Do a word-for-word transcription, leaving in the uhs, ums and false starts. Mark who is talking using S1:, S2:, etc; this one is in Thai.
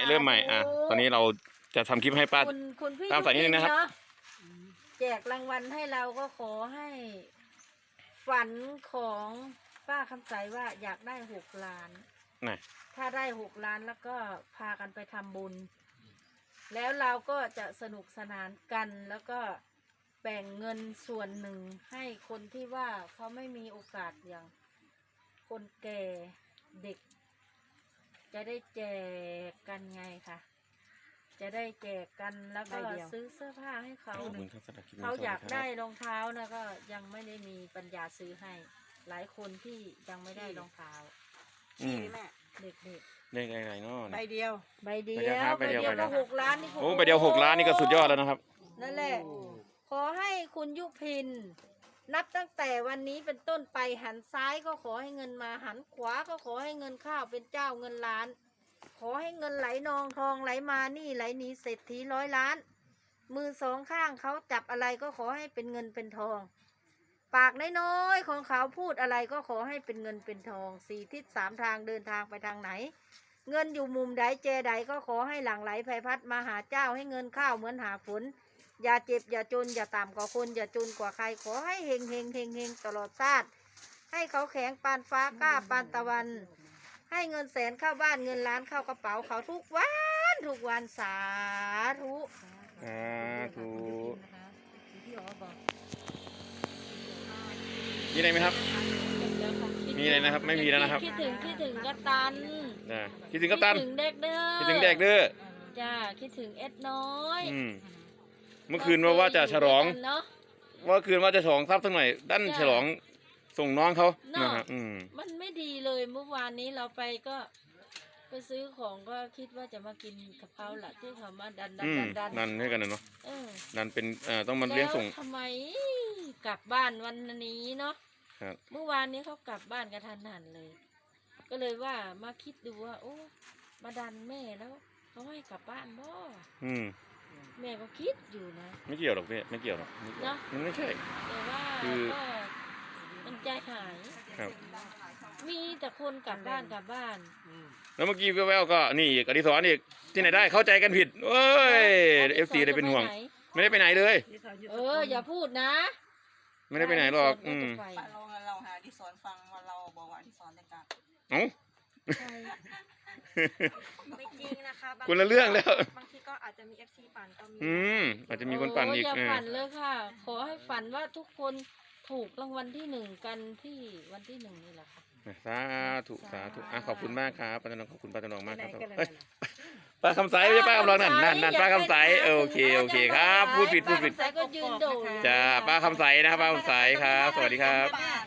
S1: เริ่มใหม่อ่ะตอนนี้เราจะทำคลิปให้ป้า
S2: คุณคุณพี่
S1: ตามสายนิดนึงนะครับ
S2: เาแจกรางวัลให้เราก็ขอให้ฝันของป้าคำใสว่าอยากได้หกล้าน
S1: น่ะ
S2: ถ้าได้หกล้านแล้วก็พากันไปทำบุญ แล้วเราก็จะสนุกสนานกันแล้วก็แบ่งเงินส่วนหนึ่งให้คนที่ว่าเขาไม่มีโอกาสอย่างคนแก่เด็ก จะได้แจกกันไงค่ะ จะได้แจกกันแล้วก็ซื้อเสื้อผ้าให้เขา
S1: ขอบคุณครับสำหรับคลิปนี้
S2: เขาอยาก
S1: สวัส
S2: ได้
S1: ครับ
S2: รองเท้านะก็ยังไม่ได้มีปัญญาซื้อให้ หลายคนที่ยังไม่ได้รองเท้า
S1: อืม
S2: เด็ก
S1: เลขอะไรเนาะ
S3: ใบเดียว
S2: ๆใบเดียว
S1: ใบเดียวครับใบเดียว
S2: ก็หกล้านนี่
S1: โอ้ใบเดียวหกล้านนี่ก็สุดยอดแล้วนะครับ
S2: นั่นแหละ ขอให้คุณยุพิน นับตั้งแต่วันนี้เป็นต้นไปหันซ้ายก็ขอให้เงินมาหันขวาก็ขอให้เงินเข้าเป็นเจ้าเงินล้าน ขอให้เงินไหลนองทองไหลมานี่ไหลหนีเศรษฐีร้อยล้าน มือสองข้างเขาจับอะไรก็ขอให้เป็นเงินเป็นทอง ปากน้อยๆของเขาพูดอะไรก็ขอให้เป็นเงินเป็นทองสี่ทิศสามทางเดินทางไปทางไหน เงินอยู่มุมใดเจใดก็ขอให้หลั่งไหลไพพัดมาหาเจ้าให้เงินเข้าเหมือนหาฝนอย่าเจ็บอย่าจนอย่าต่ำกว่าคนอย่าจนกว่าใครขอให้เฮงเฮงเฮงเฮงตลอดชาติให้เขาแข็งปานฟ้ากล้าปานตะวัน ให้เงินแสนเข้าบ้านเงินล้านเข้ากระเป๋าเขาทุกวันทุกวันสาธุ
S1: สาธุ
S2: พี่อ๋อบอก
S1: มีอะไรไหมครับ มีอะไรนะครับไม่มีแล้วนะครับ
S2: คิดถึงคิดถึงกัปตัน
S1: นะคิดถึงกัปตัน
S2: คิดถึงเด็กเด้อ
S1: คิดถึงเด็กเด้อ
S2: จ้าคิดถึงเอ็ดน้อย
S1: อืมเมื่อคืนว่าว่าจะฉลอง
S2: เนาะ
S1: เมื่อคืนว่าจะฉลองทรัพย์สักหน่อยดัน
S2: จ้ะ
S1: ฉลองส่งน้องเขา
S2: เนาะ
S1: นะฮะอืม
S2: มันไม่ดีเลยเมื่อวานนี้เราไปก็ไปซื้อของก็คิดว่าจะมากินกับเขาแหละที่เขามาดันดัน
S1: อืม
S2: ดันดัน
S1: นั่นให้กันนะเนาะ
S2: เออ
S1: นั่นเป็นเอ่อต้องมาเลี้ยงส่ง
S2: แล้วทำไมกลับบ้านวันนี้เนาะ
S1: ครับ
S2: เมื่อวานนี้เขากลับบ้านกระทันหันเลย ก็เลยว่ามาคิดดูว่าโอ้มาดันแม่แล้วเขาให้กลับบ้านบ่
S1: อืม
S2: แม่ก็คิดอยู่นะ
S1: ไม่เกี่ยวหรอกพี่ไม่เกี่ยวหรอกไม่เกี่ยว
S2: เนอะ
S1: มันไม่ใช่
S2: แต่ว่า
S1: คือ
S2: ก็มันใจหาย
S1: ครับ
S2: มีแต่คนกลับบ้านกลับบ้าน
S1: แล้วเมื่อกี้แววๆก็นี่อีกอดิศรอีกที่ไหนได้เข้าใจกันผิดเอ้ยเอฟซีเลยเป็นห่วง ไม่ได้ไปไหนเลย
S2: เอออย่าพูดนะ
S1: ไม่ได้ไปไหนหรอกอืม
S2: ไป
S3: เราเราหาดิสอนฟังว่าเราบอกว่าดิสอนแต่การ
S1: เอ้า
S4: ไม่จริงนะคะบาง
S1: คนละเรื่องแล้ว
S4: บางทีก็อาจจะมี เอฟ ซี ปั่นก็มี
S1: อืมอาจจะมีคนปั่นอีก
S2: โอย่า
S1: เออ
S2: ฝันเลยค่ะ ขอให้ฝันว่าทุกคนถูกรางวัลที่หนึ่งกันที่วันที่หนึ่งนี่แหละค่ะ
S1: สาธุสาธุอ่ะขอบคุณมากครับป้าตนองขอบคุณป้าตนองมากครับ
S3: ไหนกันเลย
S1: เอ้ยป้าคำใสไม่ใช่ป้าคำรองนั่นนั่นนั่นป้าคำใสเออโอเคโอเคครับพูดผิดพูดผิด
S2: ป้าคำใสก็ยืนโดด
S1: จ้าป้าคำใสนะครับป้าคำใสครับ สวัสดีครับ
S3: ป้า